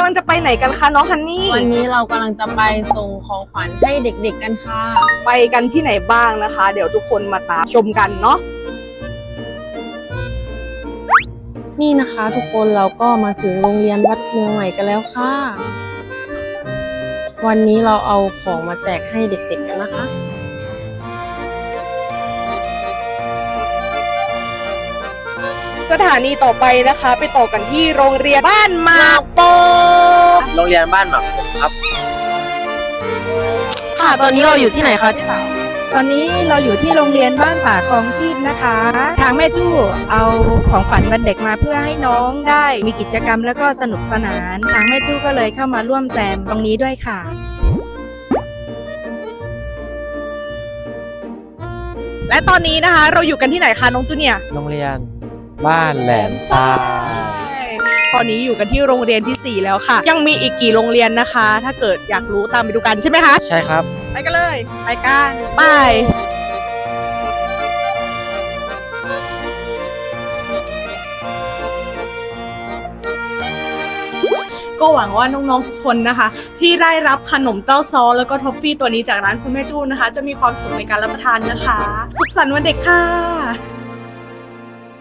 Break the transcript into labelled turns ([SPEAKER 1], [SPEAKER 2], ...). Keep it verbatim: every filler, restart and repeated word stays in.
[SPEAKER 1] ำลังจะไปไหนกันคะน้องฮันนี่
[SPEAKER 2] วันนี้เรากำลังจะไปส่งของขวัญให้เด็กๆกันค่ะ
[SPEAKER 1] ไปกันที่ไหนบ้างนะคะ เดี๋ยวทุกคนมาตามชมกันเนาะ
[SPEAKER 2] นี่นะคะทุกคนเราก็มาถึงโรงเรียนวัดเมืองใหม่กันแล้วค่ะวันนี้เราเอาของมาแจกให้เด็กๆกันนะคะ
[SPEAKER 1] สถานีต่อไปนะคะไปต่อกันที่โรงเรียนบ้านหมากโปก
[SPEAKER 3] โรงเรียนบ้านหมากโปกครับ
[SPEAKER 2] ค่ะตอนนี้เราอยู่ที่ไหนคะที่สาว
[SPEAKER 4] ตอนนี้เราอยู่ที่โรงเรียนบ้านป่าคลองชีพนะคะ ทางแม่จู้เอาของฝันวันเด็กมาเพื่อให้น้องได้มีกิจกรรมแล้วก็สนุกสนาน ทางแม่จู้ก็เลยเข้ามาร่วมแจมตรงนี้ด้วยค่ะ
[SPEAKER 1] และตอนนี้นะคะเราอยู่กันที่ไหนคะน้องจูเนียร์
[SPEAKER 3] โรงเรียนบ้านแหลมทราย
[SPEAKER 1] ตอนนี้อยู่กันที่โรงเรียนที่สี่แล้วค่ะยังมีอีกกี่โรงเรียนนะคะ ถ้าเกิดอยากรู้ตามไปดูกันใช่ไหมคะ
[SPEAKER 3] ใช่ครับ
[SPEAKER 1] ไปกันเลยไปกันไปก็หวังว่าน้องๆทุกคนนะคะที่ได้รับขนมเต้าซ้อแล้วก็ท็อฟฟี่ตัวนี้จากร้านคุณแม่จู้นะคะจะมีความสุขในการรับประทานนะคะสุขสันต์วันเด็กค่ะ